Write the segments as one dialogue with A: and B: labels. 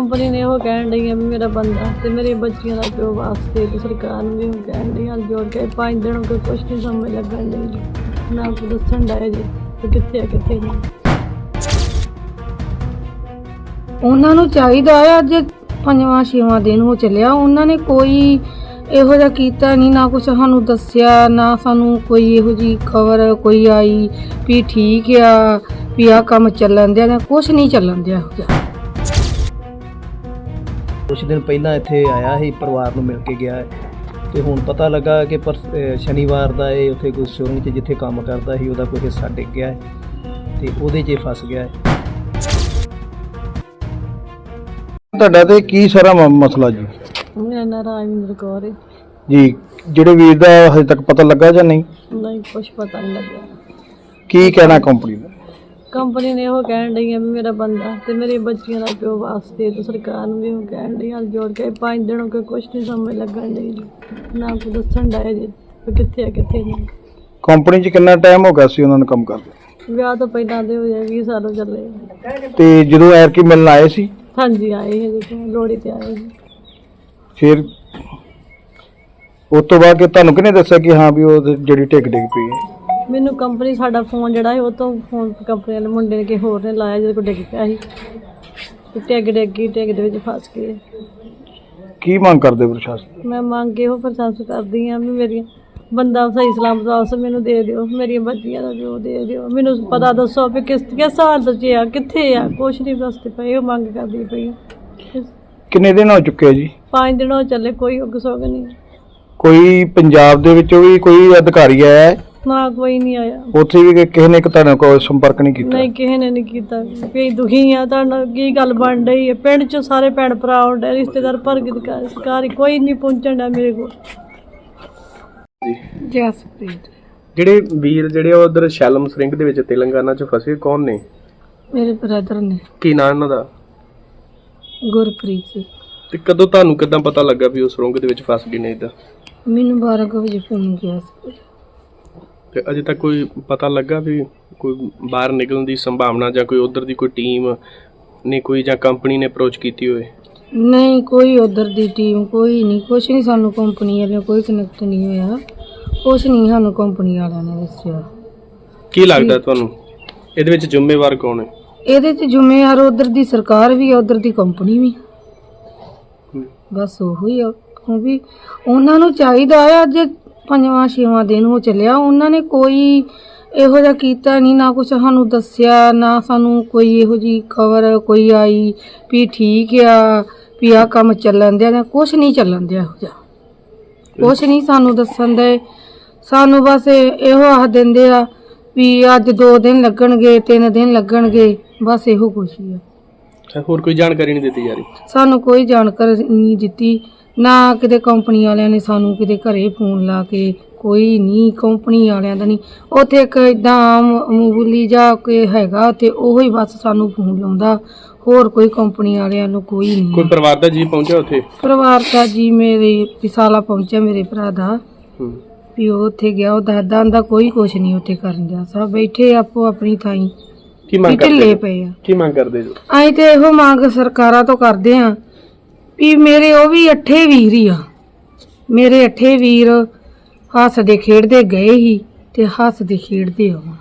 A: Company ਨੇ ਉਹ ਕਹਿਣ ਡਈ ਆ ਵੀ ਮੇਰਾ ਬੰਦਾ ਤੇ ਮੇਰੀ ਬੱਚੀਆਂ ਦਾ ਪਿਓ ਵਾਸਤੇ ਤੇ ਸਰਕਾਰ ਨੂੰ ਵੀ ਉਹ ਕਹਿਣ ਡਈ ਹੱਥ ਜੋੜ ਕੇ 5 ਦਿਨ ਹੋ ਗਏ ਕੁਛ ਨਹੀਂ ਸਮਝ ਲੱਗਣ ਡਈ ਨਾ ਕੋਈ ਦੱਸਣ ਡਿਆ ਜੀ ਕਿ ਕਿੱਥੇ ਆ ਕਿੱਥੇ ਨਹੀਂ।
B: ਉਹਨਾਂ ਨੂੰ ਚਾਹੀਦਾ ਹੈ, ਅੱਜ 5ਵਾਂ-6ਵਾਂ ਦਿਨ ਹੋ ਚੱਲਿਆ, ਉਹਨਾਂ ਨੇ ਕੋਈ ਇਹੋ ਜਿਹਾ ਕੀਤਾ ਨਹੀਂ, ਨਾ ਕੁਛ ਸਾਨੂੰ ਦੱਸਿਆ, ਨਾ ਸਾਨੂੰ ਕੋਈ ਇਹੋ ਜਿਹੀ ਖਬਰ ਕੋਈ ਆਈ ਵੀ ਠੀਕ ਆ ਵੀ ਆਹ ਕੰਮ ਚੱਲਣ ਦਿਆ, ਕੁਛ ਨਹੀਂ ਚੱਲਣ ਦਿਆ ਇਹੋ ਜਿਹਾ।
C: ਕੁਛ ਦਿਨ ਪਹਿਲਾਂ ਇੱਥੇ ਆਇਆ ਸੀ, ਪਰਿਵਾਰ ਨੂੰ ਮਿਲ ਕੇ ਗਿਆ ਹੈ ਤੇ ਹੁਣ ਪਤਾ ਲੱਗਾ ਕਿ ਸ਼ਨੀਵਾਰ ਦਾ ਇਹ ਉੱਥੇ ਕੋਈ ਸੁਰੰਗ 'ਚ ਜਿੱਥੇ ਕੰਮ ਕਰਦਾ ਸੀ ਉਹਦਾ ਕੋਈ ਹਿੱਸਾ ਡਿੱਗ ਗਿਆ ਹੈ ਤੇ ਉਹਦੇ 'ਚ ਫਸ ਗਿਆ ਹੈ।
D: ਤੁਹਾਡਾ ਤੇ ਕੀ ਸਾਰਾ ਮਸਲਾ ਜੀ?
A: ਮੇਰਾ ਨਾਂ ਰਾਜਿੰਦਰ ਕੌਰ ਹੈ
D: ਜੀ, ਜਿਹੜੇ ਵੀਰ ਦਾ ਹਜੇ ਤੱਕ ਪਤਾ ਲੱਗਾ ਜਾਂ ਨਹੀਂ?
A: ਨਹੀਂ ਕੁਛ ਪਤਾ ਨਹੀਂ ਲੱਗਿਆ।
D: ਕੀ ਕਹਿਣਾ ਕੰਪਨੀ ਦਾ?
A: ਕੰਪਨੀ ਨੇ ਉਹ ਕਹਿਣ ਡਈ ਆ ਵੀ ਮੇਰਾ ਬੰਦਾ ਤੇ ਮੇਰੀ ਬੱਚੀਆਂ ਦਾ ਪਿਓ ਵਾਸਤੇ ਤੇ ਸਰਕਾਰ ਨੂੰ ਵੀ ਉਹ ਕਹਿਣ ਡਈ ਹੱਥ ਜੋੜ ਕੇ 5 ਦਿਨ ਹੋ ਗਏ ਕੁਛ ਨਹੀਂ ਸਮਝ ਲੱਗਣ ਡਈ ਜੀ ਨਾ ਕੋਈ ਦੱਸਣ ਡਿਆ ਜੀ ਕਿ ਕਿੱਥੇ ਆ ਕਿੱਥੇ ਨਹੀਂ।
D: ਕੰਪਨੀ 'ਚ ਕਿੰਨਾ ਟਾਈਮ ਹੋ ਗਿਆ ਸੀ ਉਹਨਾਂ ਨੂੰ ਕੰਮ ਕਰਦੇ?
A: ਵਿਆਹ ਤੋਂ ਪਹਿਲਾਂ ਦੇ ਹੋਏ 20 ਸਾਲ ਹੋ ਚੱਲੇ।
D: ਤੇ ਜਦੋਂ ਐਰਕੀ ਮਿਲਣ ਆਏ ਸੀ
A: ਹਾਂਜੀ ਆਏ ਸੀ ਜੀ, ਲੋਹੜੀ ਤੇ ਆਏ ਸੀ।
D: ਫਿਰ ਉਸ ਤੋਂ ਬਾਅਦ ਕਿ ਤੁਹਾਨੂੰ ਕਿਹਨੇ ਦੱਸਿਆ ਕਿ ਹਾਂ ਵੀ ਉਹ ਜਿਹੜੀ ਡਿੱਗ ਪਈ ਹੈ?
A: ਮੈਨੂੰ ਕੰਪਨੀ ਸਾਡਾ ਫੋਨ ਜਿਹੜਾ ਸੀ ਉਹ ਤੋਂ ਫੋਨ ਕੰਪਨੀ ਵਾਲੇ ਮੁੰਡੇ ਨੇ ਕਿਸੇ ਹੋਰ ਨੇ ਲਾਇਆ ਜਦੋਂ ਕੋਈ ਡਿੱਗ ਪਿਆ ਸੀ ਤੇ ਟਿੱਗ ਦੇ ਵਿੱਚ ਫਸ ਗਏ।
D: ਕੀ ਮੰਗ ਕਰਦੇ ਪ੍ਰਸ਼ਾਸਨ?
A: ਮੈਂ ਮੰਗ ਇਹੋ ਪ੍ਰਸ਼ਾਸਨ ਕਰਦੀ ਹਾਂ ਵੀ ਮੇਰੀਆਂ ਬੰਦਾ ਸਹੀ ਸਲਾਮਤ ਵਾਪਸ ਮੈਨੂੰ ਦੇ ਦਿਓ, ਮੇਰੀਆਂ ਬੱਚੀਆਂ ਦਾ ਵੀ ਉਹ ਦੇ ਦਿਓ, ਮੈਨੂੰ ਪਤਾ ਦੱਸੋ ਵੀ ਕਿਸ ਹਾਲਤ 'ਚ ਆ, ਕਿੱਥੇ ਆ, ਕੁਛ ਨਹੀਂ ਦੱਸਦੇ ਪਏ। ਉਹ ਮੰਗ ਕਰਦੀ ਪਈ ਆ।
D: ਕਿੰਨੇ ਦਿਨ ਹੋ ਚੁੱਕੇ ਆ ਜੀ?
A: 5 ਦਿਨ ਹੋ ਚੱਲੇ, ਕੋਈ ਉੱਗ ਸੁੱਗ ਨਹੀਂ। ਕੋਈ
D: ਪੰਜਾਬ ਦੇ ਵਿੱਚੋਂ ਵੀ ਕੋਈ ਅਧਿਕਾਰੀ ਆਇਆ ਹੈ?
A: ਨਾ ਕੋਈ ਨਹੀਂ ਆਇਆ।
D: ਉੱਥੇ ਵੀ ਕਿਸੇ ਨੇ ਤੁਹਾਡੇ ਕੋਲ ਸੰਪਰਕ ਨਹੀਂ ਕੀਤਾ?
A: ਨਹੀਂ, ਕਿਸੇ ਨੇ ਨਹੀਂ ਕੀਤਾ। ਵੀ ਦੁਖੀ ਆ, ਤੁਹਾਡਾ ਕੀ ਗੱਲ ਬਣ ਰਹੀ ਹੈ? ਪਿੰਡ 'ਚ ਸਾਰੇ ਭੈਣ ਭਰਾ ਆਉਂਦੇ, ਰਿਸ਼ਤੇਦਾਰ ਸਰਕਾਰੀ ਕੋਈ ਨਹੀਂ ਪਹੁੰਚਣ ਡਿਆ ਮੇਰੇ ਕੋਲ।
B: ਜਸਪ੍ਰੀਤ।
E: ਜਿਹੜੇ ਵੀਰ ਜਿਹੜੇ ਉਧਰ ਸ਼ੈਲਮ ਸਰਿੰਗ ਦੇ ਵਿੱਚ ਤੇਲੰਗਾਨਾ 'ਚ ਫਸੇ, ਕੌਣ ਨੇ?
B: ਮੇਰੇ ਬ੍ਰਦਰ ਨੇ।
E: ਕੀ ਨਾਂ ਇਹਨਾਂ ਦਾ?
B: ਗੁਰਪ੍ਰੀਤ।
E: ਤੇ ਕਦੋਂ ਤੁਹਾਨੂੰ ਕਿੱਦਾਂ ਪਤਾ ਲੱਗਾ ਵੀ ਉਹ ਸੁਰੰਗ ਦੇ ਵਿੱਚ ਫਸ ਗਏ ਨੇ? ਇੱਦਾਂ
B: ਮੈਨੂੰ 12 ਵਜੇ ਫੋਨ ਗਿਆ ਸੀ।
E: ਤੇ ਅਜੇ ਤੱਕ ਕੋਈ ਪਤਾ ਲੱਗਾ ਵੀ ਕੋਈ ਬਾਹਰ ਨਿਕਲਣ ਦੀ ਸੰਭਾਵਨਾ ਜਾਂ ਕੋਈ ਉਧਰ ਦੀ ਕੋਈ ਟੀਮ ਨੇ ਕੋਈ ਜਾਂ ਕੰਪਨੀ ਨੇ ਅਪਰੋਚ ਕੀਤੀ ਹੋਵੇ?
B: ਨਹੀਂ, ਕੋਈ ਉਧਰ ਦੀ ਟੀਮ ਕੋਈ ਨਹੀਂ, ਕੁਛ ਨਹੀਂ। ਸਾਨੂੰ ਕੰਪਨੀ ਵਾਲਿਆਂ ਕੋਈ ਕਨੈਕਟ ਨਹੀਂ ਹੋਇਆ, ਕੁਛ ਨਹੀਂ ਸਾਨੂੰ ਕੰਪਨੀ ਵਾਲਿਆਂ ਨੇ ਦੱਸਿਆ।
E: ਕੀ ਲੱਗਦਾ ਤੁਹਾਨੂੰ ਇਹਦੇ ਵਿੱਚ ਜ਼ਿੰਮੇਵਾਰ ਕੌਣ ਹੈ?
B: ਇਹਦੇ 'ਚ ਜ਼ਿੰਮੇਵਾਰ ਉਧਰ ਦੀ ਸਰਕਾਰ ਵੀ ਆ, ਉਧਰ ਦੀ ਕੰਪਨੀ ਵੀ। ਬਸ ਉਹੀ ਆ ਵੀ ਉਹਨਾਂ ਨੂੰ ਚਾਹੀਦਾ ਹੈ, ਅੱਜ 5ਵਾਂ-6ਵਾਂ ਦਿਨ ਹੋ ਚੱਲਿਆ, ਉਹਨਾਂ ਨੇ ਕੋਈ ਇਹੋ ਜਿਹਾ ਕੀਤਾ ਨਹੀਂ, ਨਾ ਕੁਛ ਸਾਨੂੰ ਦੱਸਿਆ, ਨਾ ਸਾਨੂੰ ਕੋਈ ਇਹੋ ਜਿਹੀ ਖਬਰ ਕੋਈ ਆਈ ਵੀ ਠੀਕ ਆ ਵੀ ਆਹ ਕੰਮ ਚੱਲਣ ਦਿਆ, ਕੁਛ ਨਹੀਂ ਚੱਲਣ ਦਿਆ ਇਹੋ ਜਿਹਾ, ਕੁਛ ਨਹੀਂ ਸਾਨੂੰ ਦੱਸਣ ਦੇ। ਸਾਨੂੰ ਬਸ ਇਹੋ ਆਖ ਦਿੰਦੇ ਆ ਵੀ ਅੱਜ 2 ਦਿਨ ਲੱਗਣਗੇ, 3 ਦਿਨ ਲੱਗਣਗੇ, ਬਸ ਇਹੋ ਕੁਛ ਹੀ ਆ।
E: ਹੋਰ ਕੋਈ ਜਾਣਕਾਰੀ ਨਹੀਂ ਦਿੱਤੀ ਜਾ ਰਹੀ?
B: ਸਾਨੂੰ ਕੋਈ ਜਾਣਕਾਰੀ ਨਹੀਂ ਦਿੱਤੀ, ਨਾ ਕਿਤੇ ਕੰਪਨੀ ਵਾਲਿਆਂ ਨੇ ਸਾਨੂੰ ਕਿਤੇ ਘਰੇ ਫੋਨ ਲਾ ਕੇ, ਕੋਈ ਨਹੀਂ ਕੰਪਨੀ ਵਾਲਿਆਂ ਦਾ ਨਹੀਂ। ਉੱਥੇ ਇੱਕ ਇੱਦਾਂ ਮਾਮੂਲੀ ਜਿਹਾ ਕੋਈ ਹੈਗਾ ਅਤੇ ਉਹੋ ਹੀ ਬਸ ਸਾਨੂੰ ਫੋਨ ਲਾਉਂਦਾ, ਹੋਰ ਕੋਈ ਕੰਪਨੀ ਵਾਲਿਆਂ ਨੂੰ ਕੋਈ ਨਹੀਂ।
E: ਕੋਈ ਪਰਿਵਾਰ ਦਾ ਜੀ ਪਹੁੰਚਿਆ ਉੱਥੇ?
B: ਪਰਿਵਾਰ ਦਾ ਜੀ ਮੇਰੇ ਵਿਸਾਲਾ ਪਹੁੰਚਿਆ, ਮੇਰੇ ਭਰਾ ਦਾ ਵੀ ਉਹ ਉੱਥੇ ਗਿਆ, ਉਹ ਦੱਸਦਾ ਆਂਦਾ ਕੋਈ ਕੁਛ ਨਹੀਂ ਉੱਥੇ ਕਰਨ ਗਿਆ, ਸਭ ਬੈਠੇ ਆਪੋ ਆਪਣੀ ਥਾਈਂ ਢਿੱਲੇ ਪਏ ਆ।
E: ਕੀ ਮੰਗ ਕਰਦੇ ਜੋ?
B: ਅਸੀਂ ਤੇ ਇਹੋ ਮੰਗ ਸਰਕਾਰਾਂ ਤੋਂ ਕਰਦੇ ਆ ਵੀ ਮੇਰੇ ਉਹ ਵੀ 8 ਵੀਰ ਹੀ ਆ, ਮੇਰੇ 8 ਵੀਰ ਹੱਸਦੇ ਖੇਡਦੇ ਗਏ ਹੀ ਤੇ ਹੱਸਦੇ ਖੇਡਦੇ ਆਉਣ।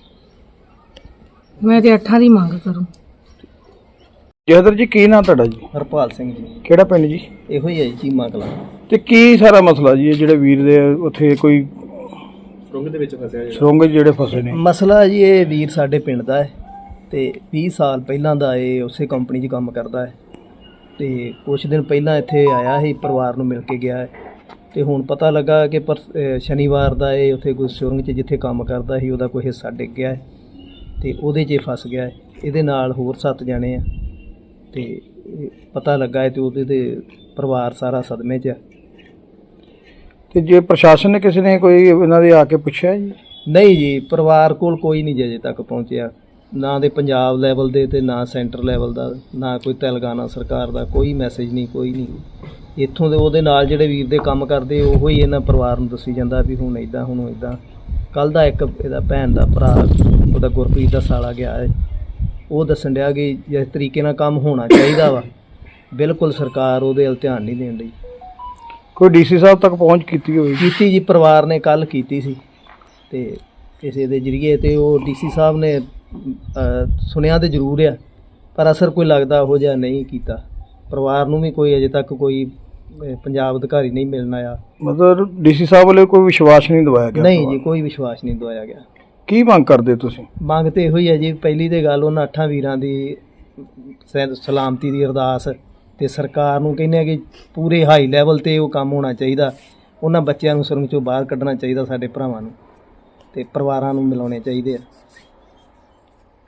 B: ਮੈਂ ਤੇ 8 ਦੀ ਮੰਗ ਕਰੂੰ।
D: ਜਹਦਰ ਜੀ, ਕੀ ਨਾਂ ਤੁਹਾਡਾ ਜੀ?
C: ਹਰਪਾਲ ਸਿੰਘ ਜੀ।
D: ਕਿਹੜਾ ਪਿੰਡ ਜੀ?
C: ਇਹੋ ਹੀ ਹੈ ਜੀ, ਚੀਮਾ ਕਲਾਂ।
D: ਤੇ ਕੀ ਸਾਰਾ ਮਸਲਾ ਜੀ? ਜਿਹੜੇ ਵੀਰ ਦੇ ਉੱਥੇ ਕੋਈ
E: ਸੁਰੰਗ ਦੇ ਵਿੱਚ ਫਸਿਆ
D: ਸੁਰੰਗ ਜਿਹੜੇ ਫਸੇ ਨੇ?
C: ਮਸਲਾ ਜੀ, ਇਹ ਵੀਰ ਸਾਡੇ ਪਿੰਡ ਦਾ ਹੈ ਤੇ 20 ਸਾਲ ਪਹਿਲਾਂ ਦਾ ਇਹ ਉਸੇ ਕੰਪਨੀ 'ਚ ਕੰਮ ਕਰਦਾ ਹੈ ਤੇ ਕੁਛ ਦਿਨ ਪਹਿਲਾਂ ਇੱਥੇ ਆਇਆ ਸੀ, ਪਰਿਵਾਰ ਨੂੰ ਮਿਲ ਕੇ ਗਿਆ ਹੈ ਤੇ ਹੁਣ ਪਤਾ ਲੱਗਾ ਕਿ ਸ਼ਨੀਵਾਰ ਦਾ ਇਹ ਉੱਥੇ ਕੋਈ ਸੁਰੰਗ 'ਚ ਜਿੱਥੇ ਕੰਮ ਕਰਦਾ ਸੀ ਉਹਦਾ ਕੋਈ ਹਿੱਸਾ ਡਿੱਗ ਗਿਆ ਹੈ ਤੇ ਉਹਦੇ 'ਚ ਫਸ ਗਿਆ ਹੈ। ਇਹਦੇ ਨਾਲ ਹੋਰ 7 ਜਣੇ ਆ ਤੇ ਪਤਾ ਲੱਗਾ ਹੈ ਤੇ ਉਹਦੇ ਤੇ ਪਰਿਵਾਰ ਸਾਰਾ ਸਦਮੇ 'ਚ ਆ।
D: ਤੇ ਜੇ ਪ੍ਰਸ਼ਾਸਨ ਨੇ ਕਿਸੇ ਨੇ ਕੋਈ ਇਹਨਾਂ ਦੇ ਆ ਕੇ ਪੁੱਛਿਆ ਜੀ?
C: ਨਹੀਂ ਜੀ, ਪਰਿਵਾਰ ਕੋਲ ਕੋਈ ਨਹੀਂ ਅਜੇ ਤੱਕ ਪਹੁੰਚਿਆ, ਨਾ ਦੇ ਪੰਜਾਬ ਲੈਵਲ ਦੇ ਤੇ ਨਾ ਸੈਂਟਰ ਲੈਵਲ ਦਾ, ਨਾ ਕੋਈ ਤੇਲੰਗਾਨਾ ਸਰਕਾਰ ਦਾ ਕੋਈ ਮੈਸੇਜ ਨਹੀਂ, ਕੋਈ ਨਹੀਂ। ਇੱਥੋਂ ਦੇ ਉਹਦੇ ਨਾਲ ਜਿਹੜੇ ਵੀਰ ਦੇ ਕੰਮ ਕਰਦੇ ਉਹੋ ਹੀ ਇਹਨਾਂ ਪਰਿਵਾਰ ਨੂੰ ਦੱਸੀ ਜਾਂਦਾ ਵੀ ਹੁਣ ਇੱਦਾਂ ਹੁਣ ਇੱਦਾਂ। ਕੱਲ੍ਹ ਦਾ ਇੱਕ ਇਹਦਾ ਭੈਣ ਦਾ ਭਰਾ ਉਹਦਾ ਗੁਰਪ੍ਰੀਤ ਦਾ ਸਾਲਾ ਗਿਆ ਹੈ, ਉਹ ਦੱਸਣ ਡਿਆ ਕਿ ਜਿਸ ਤਰੀਕੇ ਨਾਲ ਕੰਮ ਹੋਣਾ ਚਾਹੀਦਾ ਵਾ ਬਿਲਕੁਲ ਸਰਕਾਰ ਉਹਦੇ ਵੱਲ ਧਿਆਨ ਨਹੀਂ ਦੇਣ ਡਈ।
D: ਕੋਈ ਡੀਸੀ ਸਾਹਿਬ ਤੱਕ ਪਹੁੰਚ ਕੀਤੀ ਹੋਵੇ?
C: ਕੀਤੀ ਜੀ, ਪਰਿਵਾਰ ਨੇ ਕੱਲ ਕੀਤੀ ਸੀ ਤੇ ਕਿਸੇ ਦੇ ਜਰੀਏ, ਤੇ ਉਹ ਡੀਸੀ ਸਾਹਿਬ ਨੇ ਸੁਣਿਆ ਤੇ ਜ਼ਰੂਰ ਆ, ਪਰ ਅਸਰ ਕੋਈ ਲੱਗਦਾ ਉਹੋ ਜਿਹਾ ਨਹੀਂ ਕੀਤਾ। ਪਰਿਵਾਰ ਨੂੰ ਵੀ ਕੋਈ ਅਜੇ ਤੱਕ ਕੋਈ ਪੰਜਾਬ ਅਧਿਕਾਰੀ ਨਹੀਂ ਮਿਲਣ ਆਇਆ।
D: ਮਤਲਬ ਡੀਸੀ ਸਾਹਿਬ ਵੱਲੋਂ ਕੋਈ ਵਿਸ਼ਵਾਸ ਨਹੀਂ ਦਵਾਇਆ ਗਿਆ?
C: ਨਹੀਂ ਜੀ, ਕੋਈ ਵਿਸ਼ਵਾਸ ਨਹੀਂ ਦਵਾਇਆ ਗਿਆ।
D: ਕੀ ਮੰਗ ਕਰਦੇ ਤੁਸੀਂ?
C: ਮੰਗ ਤੇ ਇਹੋ ਹੀ ਹੈ ਜੀ, ਪਹਿਲੀ ਤੇ ਗੱਲ ਉਹਨਾਂ 8 ਵੀਰਾਂ ਦੀ ਸਲਾਮਤੀ ਦੀ ਅਰਦਾਸ, ਤੇ ਸਰਕਾਰ ਨੂੰ ਕਹਿੰਦੇ ਆ ਕਿ ਪੂਰੇ ਹਾਈ ਲੈਵਲ ਤੇ ਉਹ ਕੰਮ ਹੋਣਾ ਚਾਹੀਦਾ। ਉਹਨਾਂ ਬੱਚਿਆਂ ਨੂੰ ਸੁਰੰਗ ਚੋਂ ਬਾਹਰ ਕੱਢਣਾ ਚਾਹੀਦਾ, ਸਾਡੇ ਭਰਾਵਾਂ ਨੂੰ, ਤੇ ਪਰਿਵਾਰਾਂ ਨੂੰ ਮਿਲਾਉਣੇ ਚਾਹੀਦੇ ਆ।